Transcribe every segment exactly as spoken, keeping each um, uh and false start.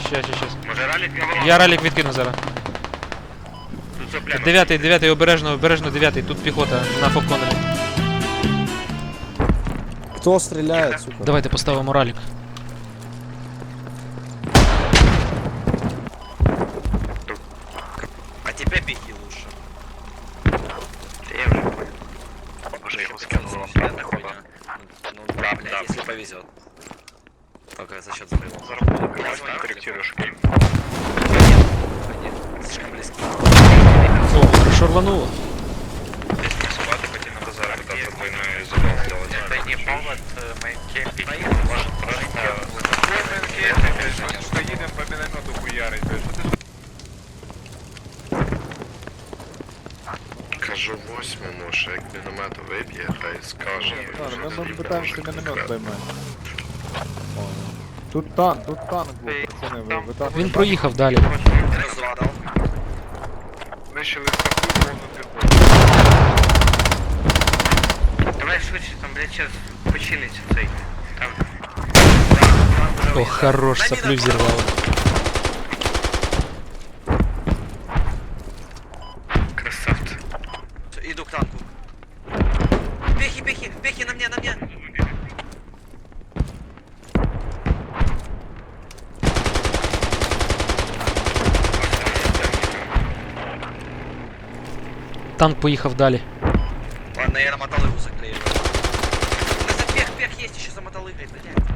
Щас, щас, щас. Може ралік відкинув? Я ралік відкину зараз. Тут все пляно. Дев'ятий, дев'ятий, обережно, обережно, дев'ятий. Тут піхота на фоконері. Кто стреляет, сука? Давайте поставимо ралік. А тебя беги лучше. Я вже понял. Може його скинуло. Ну да, блядь, если повезет. Только за счет взрыва. Можно корректируешь, окей? Слишком близко. О, хорошо рвануло. Здесь не собака, пойти на базар, пытаться двойной забал сделать. Это не повод мейнкемпить. Может просто... Что едем по миномету хуярить, Кажу восьмому, що як міномет виб'є, хай скаже. Ладно, мы, мы пытаемся миномет поймать. О, тут танк, тут танк был, пацаны, вы, вы танк. Він проїхав далі. Минус два дал. Вишили таку повну піхоту. Давай швидше, там, блядь, сейчас почилиться цей. Там. О, хорош, соплю взірвало. Красавцы. Всё, иду к танку. Пехи, пехи, пехи на мне, на мне. Танк поїхав далі. Ладно, я на мотолыгу заклею. Да за пех, пех есть еще за мотолыгой, блядь.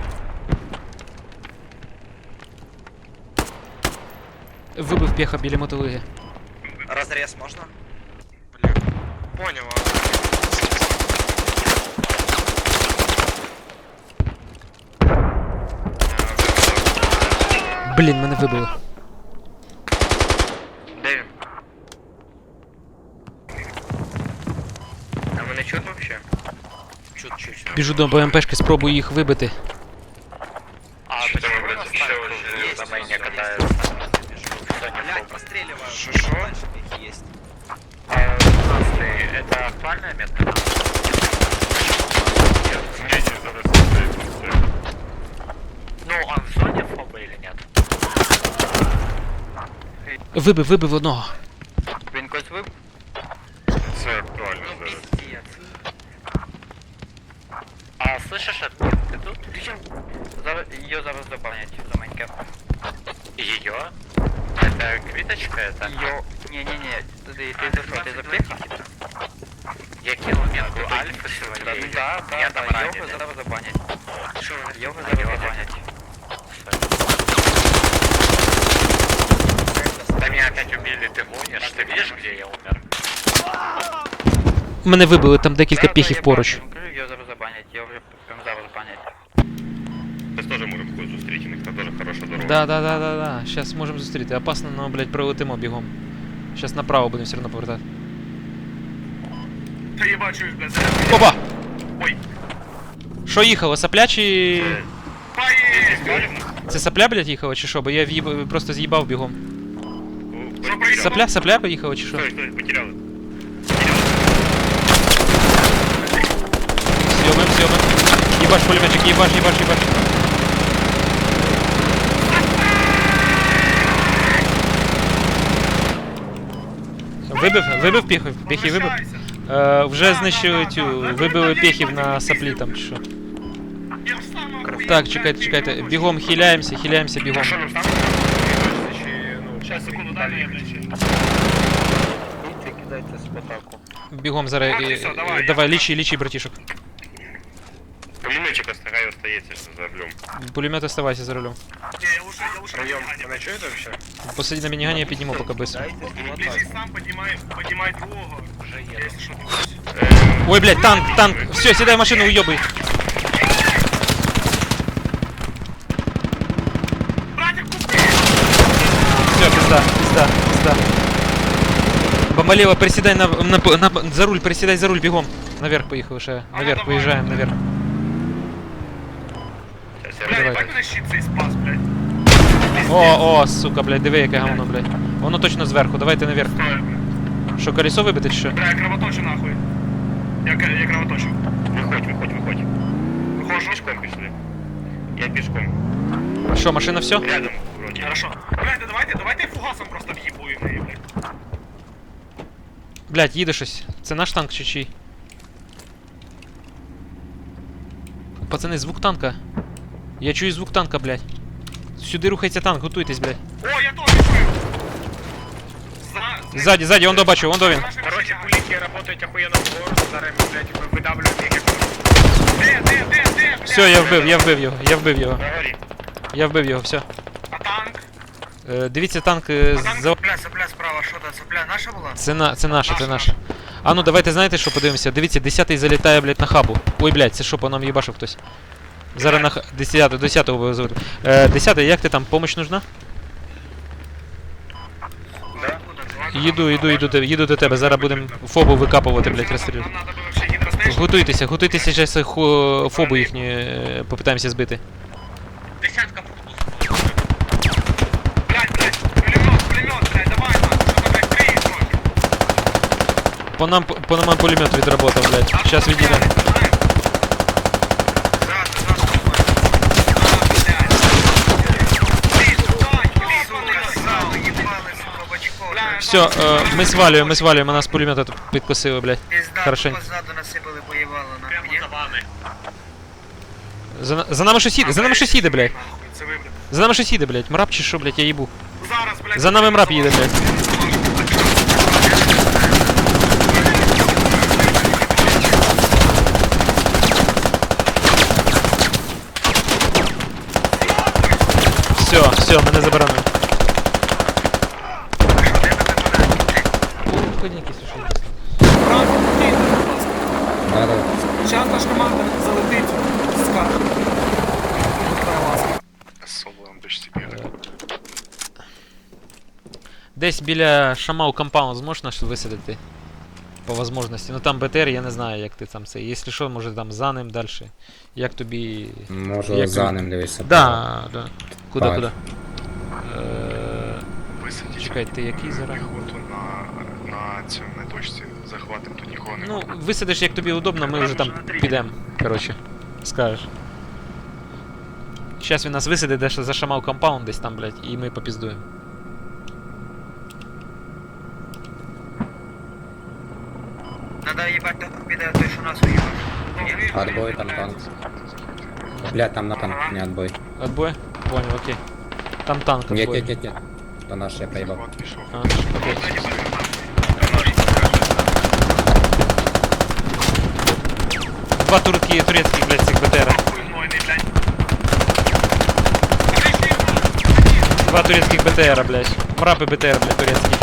Вибив пеха біля мотолиги. Разрез можно? Бля. Понял, а... Блін, мене вибило. Де він? А мене чутно вообще? Чуть-чуть. Біжу до БМПшки, спробую їх вибити. А, почему, блядь, еще Есть, на майне есть, катаются? Блядь, простреливаю. Шо-шо? Дальше пехи есть. Это актуальная метка? Ну, он в зоне фоба или нет? Вибив, вибив одного. Він когось виб? Це актуально Ну, зараз. пиздец. А слышишь, это ты тут? Зараз, ее зараз забанять за майнкап. Ее? Это квиточка это? Ее... Не-не-не, ты, ты, ты за что, ты за пехи? Я кинул метку альфа сегодня. Да, да, я там да, його зараз забанять. Що? Його зараз забанять. Да меня опять убили, ты гонишь? Ты видишь, где я умер? Мене вибили, там декілька пехів поруч. Його зараз забанять, його вже прям зараз забанять. Ми теж можемо когось зустріти, у них там дуже хороша дорога. Да, да, да, да, да. Щас можемо зустріти. Опасно, но, блядь, пролетимо бігом. Щас направо будемо все одно повертати. Та я бачу їх, блядь. Опа! Ой. Що їхало, сапля чи... Поїхали! Це сапля, блядь, їхала чи що? Бо я в'їб... просто з'їбав бігом. Що проїхали? Сапля, сапля поїхала чи що? Стой, стой, потеряли. Съемим, съемим. Ебаш, пулеметчик, ебаш, ебаш, ебаш. Вибив, вибив піхів, піхи вибив. Е, вже знищили цю, вибили піхів на саплі там чи що. Так, чекайте, чекайте, бігом хиляємося, хиляємося бігом. Сейчас, секунду, дай мне кидайте спотаку. Бігом зараз, А, е, все, е, давай, давай, я- лічи, лічи, братішок. Пулеметчик остается, остается за рулем. Пулемет оставайся за рулем. Не, я лучше, я лучше. Район, она что это вообще? Посади на мінігані, я підніму поки быстро. Лежи сам, поднимай, поднимай двугу. Уже еду. Если что, Ой, блядь, танк, танк. Все, сідай в машину, уйобай. Все, пизда, пизда, пизда. Бомбалева, приседай на, на, на, за руль, приседай за руль, бегом. Наверх поехал, ще. Наверх, поезжаем, наверх. Давай. Блядь, на щит цей спас, блядь. О, о, сука, блядь, диви, яке говно, блядь. Воно точно зверху, давайте наверх. Стой, блядь. Що, колесо вибити чи що? Бля, я кровоточу нахуй. Я, к- я кровоточу. Выходь, выходь, выходь. Выходишь? Пешком пішли. Я пешком. Що, машина все? Рядом, вроді. Хорошо. Блядь, да давайте, давайте фугасом просто в'їбуємо її, блядь. Блядь, їде щось. Це наш танк чи чий? Пацани, звук танка. Я чую звук танка, блядь. Сюди рухається танк, готуйтесь, блядь. О, я теж чую. За... Ззаді, ззаді, он до бачу, он до він. Короче, пулики работают охуенно в гору, зараз ми, блядь, видавлюємо їх. Де, де, де, де, блядь? Все, я вбив, я вбив його, я вбив його. На горі. Я вбив його, все. А танк? Е, дивіться, танк е, А танк, за... бля, сопля справа, що там, сопля наша була? Це, на, це наше, це Наша, наше. А ну давайте знаєте, що подивимося. Дивіться, десятий залітає, блядь, на хабу. Ой, блядь, це що, по нам їбашив хтось. Зараз на х... десятого, десятого вивезуть. Е, десятий, як ти там, помощь нужна? Їду, їду, їду, до- їду до тебе, зараз будемо фобу викапувати, блядь, розстрілювати. Нам надо було ще гідростейшн. Готуйтеся, готуйтеся, зараз хо... фобу їхні е, попитаємося збити. Десятка пусту. Блядь, блядь, пулемет, пулемет, блядь, давай, нахуй, що там, блядь, криє трохи. По нам, по нам пулемет відработав, блядь. А Зараз що, відійдемо. блядь, знаєш? Зразу, зразу, давай. А, блядь. Блін, сука, їбали, сало, їбали, сука, бачко. Блядь, Все, е, ми свалюємо, ми свалюємо, нас пулемет тут підкосили, блядь. Пізда, Хорошенько. позаду насипали, поїбало, нахуй. Прямо за вами. За, на- за нами щось їде, за нами щось їде, блядь. Це ви, блядь. За нами щось їде, блядь. Мрап чи що, блядь, я їбу. Зараз, блядь. За нами мрап їде, блядь. Все, все, мене заборонили. Зараз наш команда залетить з карти. Соло дочці бігає. Десь біля Шамау компаунд зможеш наш висадити? По возможності. Ну там БТР, я не знаю, як ти там це. Якщо що, може там за ним далі. Як тобі. Можу Як за ви- ним дивитися. Да, да. Куди, Так. куди? Е, Висадіть Чекай, ти який зараз? піхоту на, на цьому, на точці. Захватим, тут нікого Ну, немає. висадиш як тобі удобно, ми вже там підемо. Коротше, скажеш. Зараз він нас висадить, де за Шамау компаунд десь там, блядь, і ми попіздуємо. Надо їбать того піде той, що нас уїбав. Отбой, там танк. Блядь, там на танк не отбой. Отбой? Понял, окей. Там танк Нет, отбой. нет, нет, нет. Это наш, я проебал. Захват пішов. А, окей. Два турки, турецких, блядь, цих БТРа. Два турецких БТРа, блядь. Мрапы БТР, блядь, турецкий.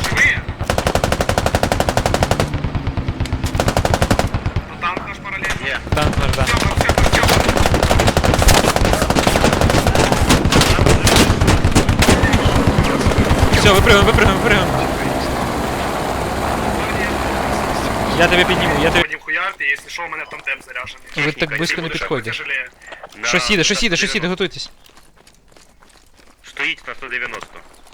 Танк наш паралельно. Танк наш, да. Все, выпрыгиваем, выпрыгиваем, выпрыгиваем. Я тебе підніму, я тебе... Будем хуярти, якщо що, у мене тандем заряджений. Ви так близько не підходите. Щось їде, щось їде, щось їде, готуйтесь. Стоїть на сто дев'яносто.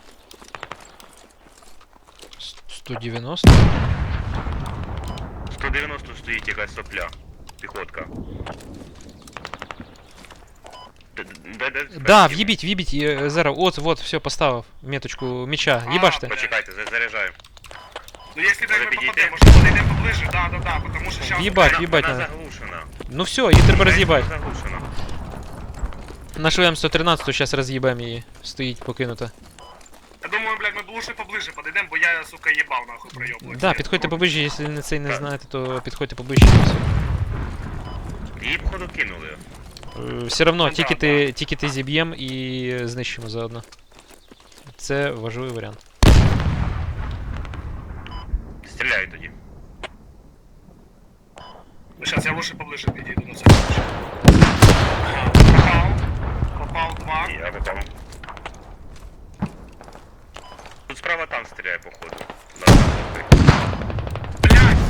сто дев'яносто? сто дев'яносто стоїть якась сопля. Піхотка. Д- д- д- Да, в'їбіть, в'їбіть, е, зараз, от, вот, все, поставив меточку меча, їбаште. Почекайте, за- заряджаю. Ну, якщо так ми підійти? попадемо, може подійдемо поближе, да, да, да, потому що зараз... В'їбать, Вона- в'їбать Вона надо. заглушена. Ну все, її треба роз'їбати. Вона Заглушена. Нашу М сто тринадцять зараз роз'їбемо її, стоїть покинута. Я думаю, блядь, ми б лучше поближе подійдемо, бо я, сука, їбав, нахуй, пройоблювати. Да, підходьте поближче, якщо не цей не знаєте, то підходьте поближче. і все. Її, походу, кинули. Е, Все равно, Ну, тільки да, ти, тільки ти зіб'єм і знищимо заодно. Це важливий варіант. Стріляю тоді. Ну, зараз я лучше поближе підійду на це. Ага, попав. Попав два. Я попав. Тут справа танк стріляє, походу. Да, Блядь!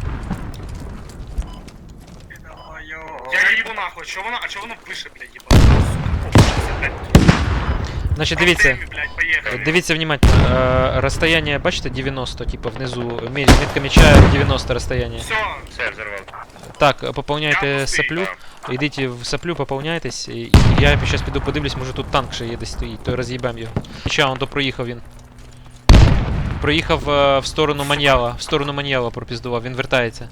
Я їбу нахуй, що воно, а чого воно вище, блядь, їбало? Сука, блядь. Значить, дивіться. Артемі, блядь, поїхали. Дивіться внимательно. Э, расстояние, бачите, девяносто, типа внизу. Ме- Метка меча девяносто расстояние. Все, Все, я взорвав. Так, пополняйте Я пустий, соплю. Йдіть в саплю, поповняйтесь, і і я зараз піду подивлюсь, може тут танк ще є десь стоїть, то роз'їбем його. Хоча, он то проїхав він. Проїхав е, в сторону Маньяла, в сторону Маньяла пропіздував, він вертається.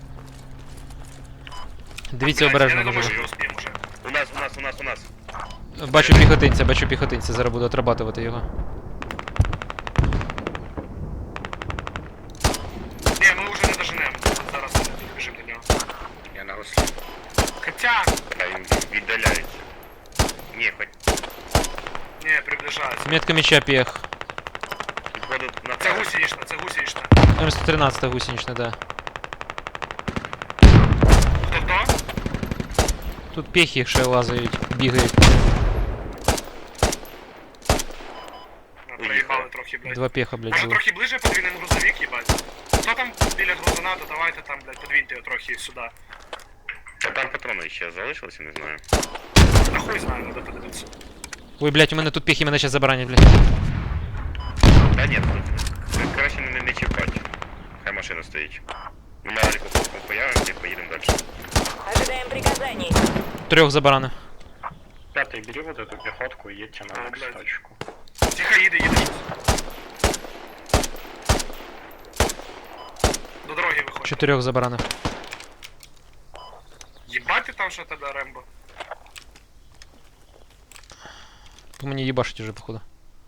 Дивіться обережно, може. що успіємо вже. У нас, у нас, у нас, у нас. Бачу піхотинця, бачу піхотинця, зараз буду отрабатувати його. Ні, ми вже не доженемо. Зараз біжимо до нього. Я на гуслі. Хоча, А він віддаляється. Ні, хоч ні, приближається. Метка меча пех. підходить на Це гусенична, це гусенична. М сто тринадцять гусенична, да. Хто хто? Тут пехи ще лазають, бігають. А, Проїбали трохи, блядь. Два пеха, блядь, Може було. трохи ближе подвинемо грузовик, їбать? Хто там біля грузона, то давайте там, блядь, подвиньте його трохи сюди. А там патрони ще залишилися, не знаю. А хуй знаю, надо подивитися. Ой, блядь, у мене тут пехи, мене зараз забаранять, блядь. Та ні, тут краще не, не чіпати. Хай машина стоїть. Ми на ріку появимося і поїдемо далі. Ожидаем приказаний. Трьох забаранив. Пятый, бери вот эту пехотку и едьте А, на блядь. точку. Тихо, їде, їде щось. До дороги виходь. Чотирьох забаранив. Єбать ти там що тоді, Рембо? По мені їбашить уже, походу.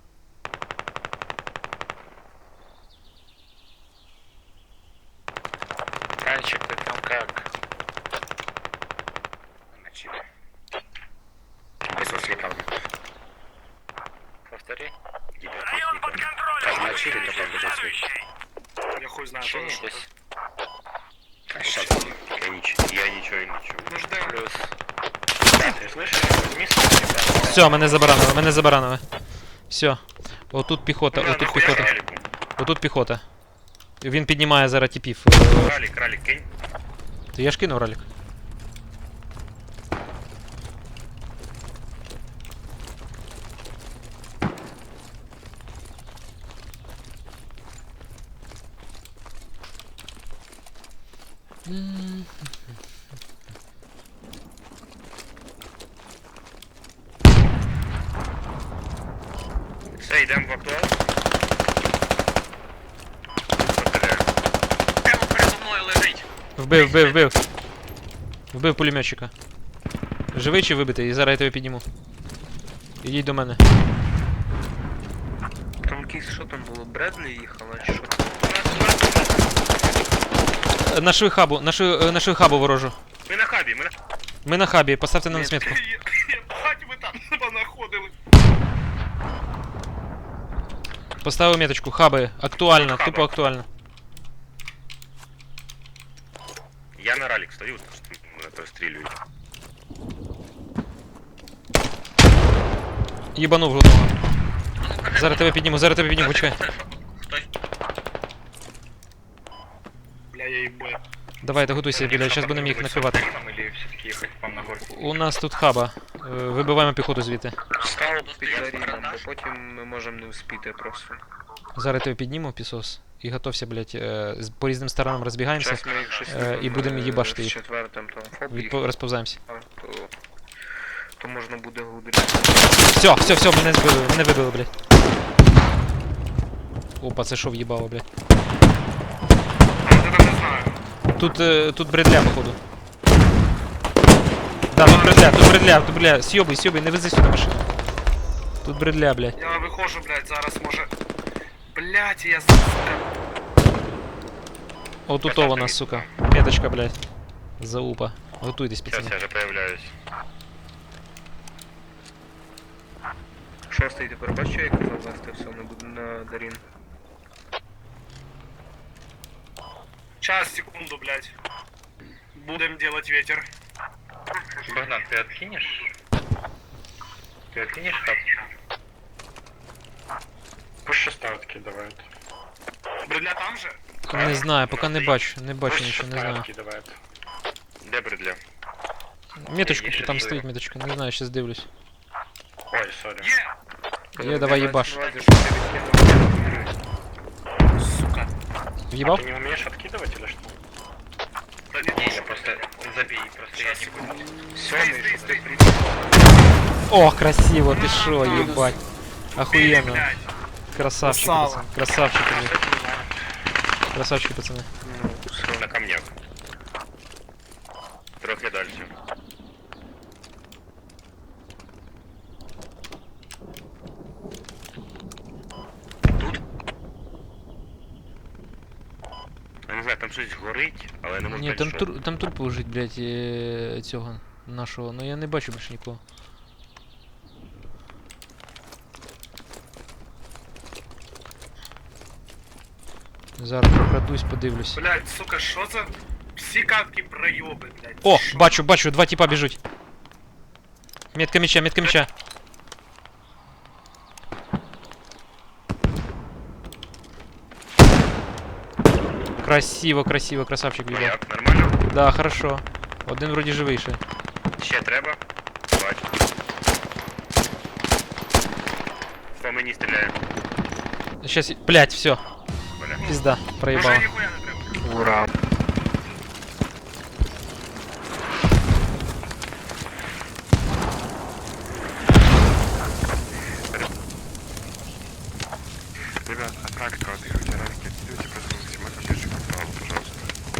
Танчик, ты там как? На чипе. Без слепал. Повтори. Там на чипе только будет свет. Я хуй знаю, Что що не що. здесь? А сейчас. Я нічого, я нічого не чую. Ну ждем. Плюс. Ты слышишь? Возьми свой Все, мене забаранили, мене забаранили. Все. Отут піхота, Бля, отут нахуя піхота. Раліку. Отут піхота. Він піднімає зараз тіпів. Ралік, ралік, кинь. Ти я ж кинув ролик. Все, йдемо в актуал. Стріляю. Прямо передо мною лежить. Вбив, вбив, вбив. Вбив пулеметчика. Живий чи вибитий? І зараз я тебе підніму. Ідіть до мене. Там якийсь, що там було? Бредлі їхала чи що? Е, Нашли хабу, нашли, нашли хабу ворожу. Ми на хабі, ми на... Ми на хабі, поставте на нас метку. Єбать ви там понаходили. Поставив меточку, хаби. Актуально, Хаби. тупо актуально. Я на ралік стою, мене прострілюють. Їбанув жодного. Зараз тебе підніму, зараз тебе підніму, почекай. Хтось. Бля, я їбаю. Давайте, готуйся, біля, зараз будемо їх накривати. или все-таки ехать к вам на горку? У нас тут хаба. Е, Вибиваємо піхоту звідти. Стало під Даріном, бо потім ми можемо не успіти просто. Зараз тебе підніму, пісос. І готовся, блядь, е, з- по різним сторонам розбігаємося. Зараз ми їх щось Е, і будемо їбашити з їх. четвертим там фоб їх, Відпо- розповзаємося. то, то можна буде гудрити. Все, все, все, мене збили, мене вибили, блядь. Опа, це що в'їбало, блядь. А я там не знаю. Тут, е, тут бредля, походу. Да, тут бредля, тут бредля, тут бредля. Сьобуй, сьобуй, не вези сюди машину. Тут бредля, блядь. Я виходжу, блядь, зараз може. Блядь, я сука. Отут вона, сука. Меточка, блядь. Заупа. Готуйтесь, Зараз пацани. я вже появляюсь. Шостий тепер бачиш, як казав вести все на, буд- на Дарін. Час, секунду, блядь. Будем делать ветер. Богдан, ты откинешь? Ты откинешь хаб? Пусть шеста откидывает. Бредля там же? Не знаю, поки не бачу, не бачу Пусть нічого, не шеста знаю. откидывает. Де бредля? Меточку, Є ще там живо. стоїть меточка, не знаю, щас дивлюсь. Ой, сори. Є! Є, давай їбаш. Що ти відкинув? Сука. А В'їбав? ты не умеешь откидывать или что? Да не Я просто... забей, просто я не буду. Сьомий, шостий, О, красиво, ты шо, ебать. Охуенно. Блядь. Красавчики, Красава. пацаны. Красавчики, блядь. Красавчики, пацаны. на камнях. Трохи далі. Я не знаю, там щось горить, але я не можу Ні, там, сказати, тур, там турбо лежить, блядь, е, цього нашого. Ну я не бачу більше нікого. Зараз прокрадусь, подивлюсь. Блядь, сука, що за всі катки пройоби, блядь. О, Що? бачу, бачу, два типа біжуть. Метка меча, метка меча. Красиво, красиво, красавчик що... бігав. Як, нормально? Да, хорошо. Один вроді живий ще. Ще треба? Бачу. По мені стріляє. Сейчас, блядь, все. Бля. Пизда, Уже проебал. ніхуя не треба. Ура. Ребят, отправка отыгрывайте разки, отыгрывайте, просто максимально ближе к праву, пожалуйста.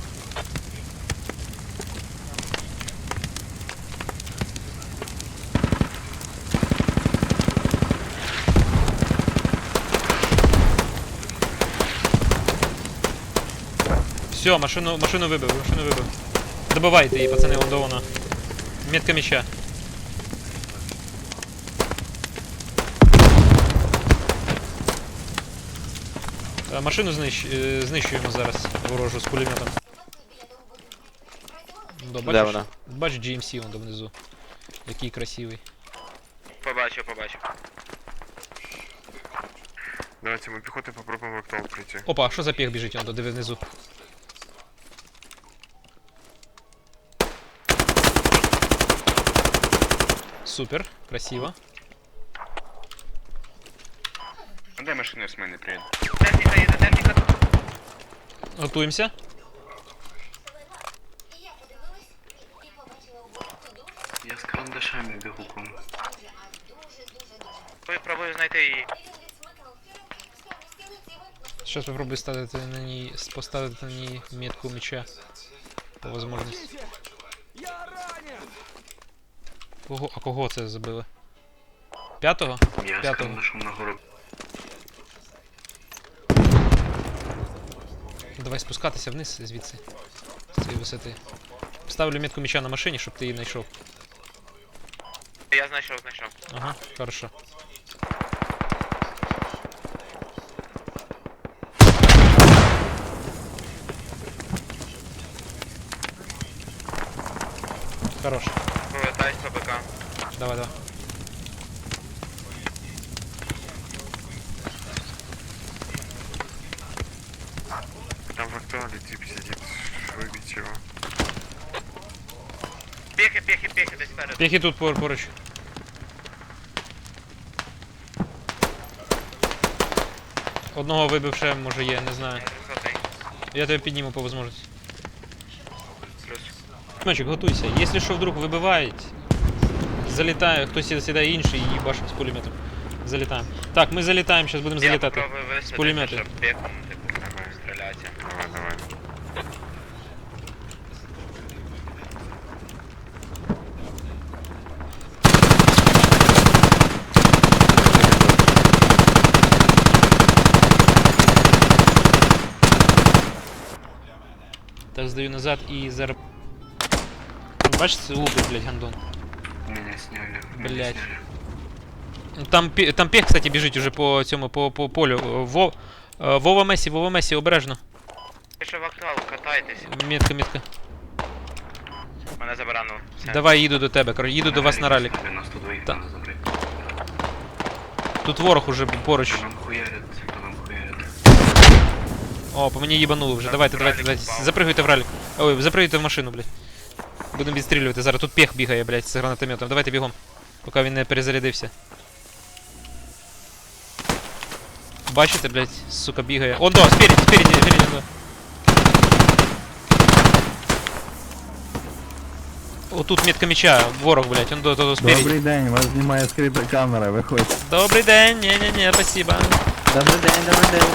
Все, машину, машину вибив, машину вибив. Добивайте її, пацани, вон до вона. Метка меча. Е, Машину знищ... е, знищуємо зараз ворожу з пулеметом. Да, бачиш, вона? Бач джі ем сі вон там внизу. Який красивий. Побачив, побачив. Давайте мы пехотой попробуем в актуал прийти. Опа, а що за піх біжить, он то диви внизу. Супер, красиво. А дай машину, с мене приеду. Техніка їде, техніка. Готуємося. Я з карандашами бігу кому. Пробую знайти її. Сейчас попробую ставити на ній, поставити на ній метку меча. По возможності. Кого, а кого це забили? П'ятого? Я з П'ятого. карандашом на гору. Давай спускатися вниз звідси. З цієї висоти. Ставлю метку меча на машині, щоб ти її знайшов. Я знайшов, знайшов. Ага, хорошо. Хорош. Повертаюсь по БК. Давай, давай. Там в актуале тип сидит, выбить его. Пехи, пехи, пехи, десь спереду. Піхи тут пор поруч. Одного вибив ще, може є, не знаю. Сотий. Я тебе підніму по возможності. Плюс. Мальчик, готуйся. Якщо що вдруг вибивають, залітає, хтось сідає інший і їбашить з пулеметом. Залітаємо. Так, ми залітаємо, зараз будемо залітати. Я попробую висадити, пулемету. щоб пехом, типу, стріляти. Давай, давай. Так, здаю назад і зараз... Бачите, лупить, блядь, гандон. Меня сняли. меня Блядь. сняли. Там, пі- там пех, кстати, біжить уже по цьому, по, по полю. Во, е, Вова Месі, Вова Месі, обережно. Ви що в актуал, катайтесь. Метка, метка. Мене забаранув. Все. Давай, їду до тебе, коротше, їду до вас на ралік. девяносто два Та. надо забрать. Тут ворог уже поруч. По нам хуярят, по нам хуярят. О, по мені їбануло вже. Так, Давайте, в давайте, ралік давайте. впав. Запригуйте в ралік. Ой, запригуйте в машину, блядь. Будемо відстрілювати. Зараз тут пех бігає, блядь, з гранатометом. Давайте бігом. Поки він не перезарядився. Бачите, блядь, сука, бігає. О, да, спереді, спереді, спереді, да. Отут метка меча, ворог, блядь, он до того спереді. день, вас знімає скрита камера, виходь. Добрий день, не-не-не, спасибо. Добрий день, добрий день.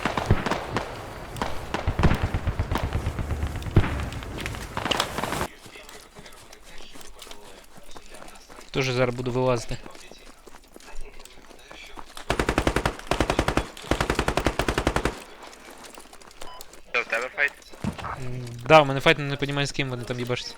Тоже зараз буду вилазити. Що, в тебе файт? М, Да, у мене файт, але не розумію, з ким вони там їбашаться.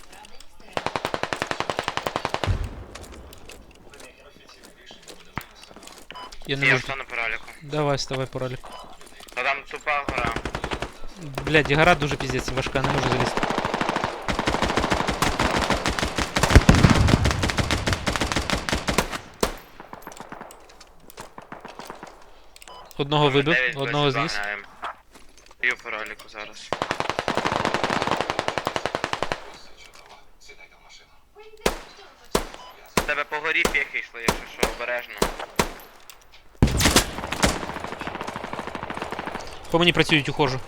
Я не Я можу. встану по ролику. Давай, вставай по ролі. Ну там тупа гора. Блядь, гора дуже піздець важка, не можу залізти. Одного вибив, Дев'ять одного досі зніс. доганяємо. Б'ю по ролику зараз. В тебе по горі піхи йшли, якщо що, обережно. По мені працюють, ухожу.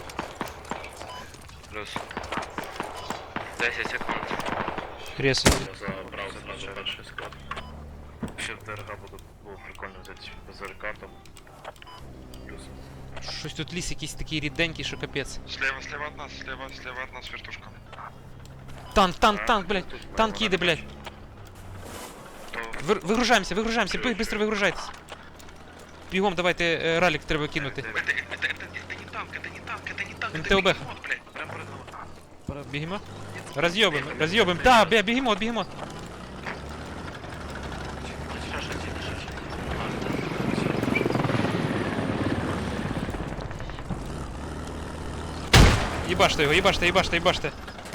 Плюс. десять секунд. Ресую. Забрав зразу перший склад. Ще в ДРГ буде, було прикольно взяти БЗРК там. Плюс. Щось тут ліс якийсь такий ріденький, що капець. Слева, слева от нас, слева, слева от нас вертушка. Танк, танк, танк, блядь. Танк їде, блядь. Вир- Вигружаємося, вигружаємося, бий, быстро вигружайтесь. Бігом, давайте, е, ралік треба кинути. Это, это, это, это не танк, это не танк, это не танк, это МТОБ. бегемот, блядь. Прям перед нами. Бігемо? Роз'єбим, роз'єбим. Да, бля, бігемот, бігемот. Їбаште його, їбаште, їбаште, їбаште.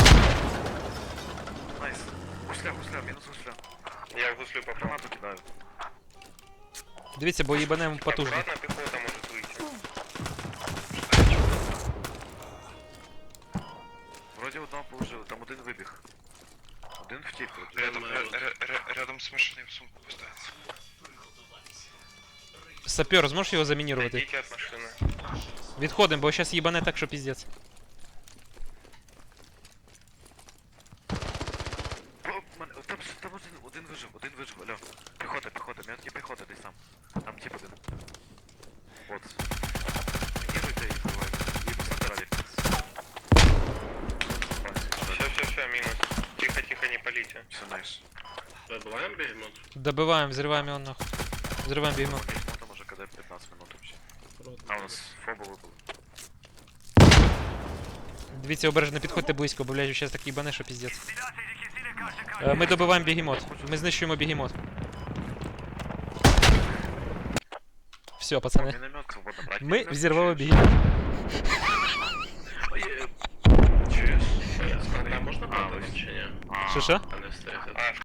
Найс. Гусля, гусля, минус гусля. Я в гуслю попав. Гранату кидаю. Дивіться, бо їбанемо потужно. Аккуратно, піхота може вийти. Вроде одного положили, там один вибіг. Один втік. Рядом, ря- ря- ря- рядом з машиною в сумку поставиться. Сапер, зможеш його замінірувати? Йдіть від машини. Відходимо, бо зараз їбане так, що піздець. О, мене- Там, там один, один вижив, один вижив, алло. Піхота, піхота, метки піхота десь там. Там тип один. От. Мініруйте і вбивайте. І посадирали. Все, все, все, мінус. Тихо, тихо, не палите. Все, найс. Добиваємо бегемот? Добиваємо, взриваємо його нахуй. Взриваємо бігемо. Бегемота може кидати п'ятнадцять минут вообще. А у нас фоба випали. Дивіться, обережно підходьте близько, бо, блядь, зараз так їбане, що піздець. Е, Ми добиваємо бігемот. Ми знищуємо бігемот. Все, пацани. Міномет свободно брати. Ми взірвали бігемот. Чуєш? Там можна падати чи ні? Що що? А не встигти. А,